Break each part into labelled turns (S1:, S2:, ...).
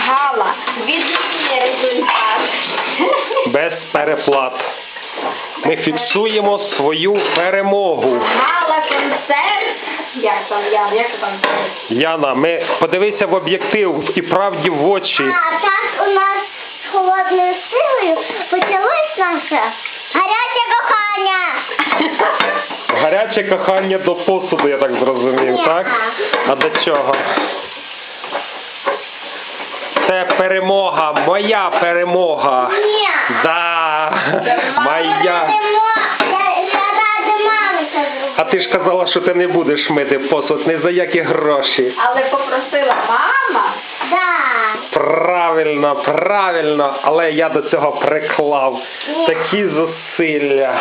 S1: Гала, відмінний результат.
S2: Без переплат. Ми фіксуємо свою перемогу.
S1: Гала, концерт. Як там?
S2: Яна, подивися в об'єктив і правді в очі.
S3: А так у нас з холодною силою почалось наше гаряче кохання.
S2: Гаряче кохання до посуду, я так зрозумів,
S3: Ні.
S2: так? А до чого? Це перемога, моя перемога.
S3: Ні.
S2: Да, моя.
S3: Я ради мами це зробила.
S2: А ти ж казала, що ти не будеш мити посуд ні за які гроші.
S1: Але попросила мама.
S3: Да.
S2: Правильно, правильно, але я до цього приклав такі зусилля.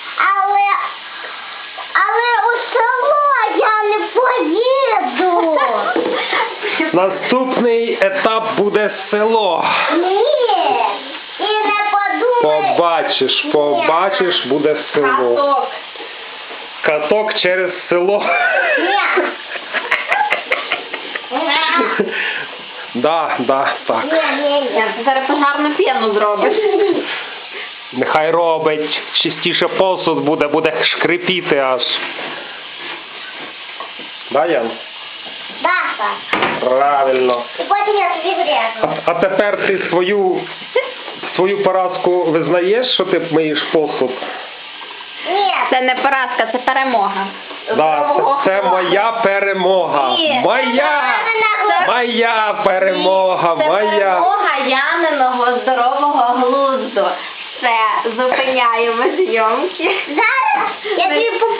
S3: Але у село я не поїду.
S2: Наступний етап буде село.
S3: Ні. І не подумай.
S2: Побачиш, буде село.
S1: Каток.
S2: Каток через село.
S3: Ні.
S2: Да, так.
S1: Ні, ти зараз пожарну п'яну зробиш.
S2: Нехай робить, чистіше посуд буде шкрипіти аж. Да, Ян?
S3: Да, так.
S2: Правильно.
S3: І потім я тобі врежу.
S2: А тепер ти свою поразку визнаєш, що ти миєш посуд?
S3: Ні.
S1: Це не поразка, це перемога.
S2: Да, це моя перемога.
S1: Ні.
S2: Моя перемога,
S1: Це
S2: моя.
S1: перемога Яниного здорового глузду. Все, зупиняємо зйомки.
S3: Зараз я тобі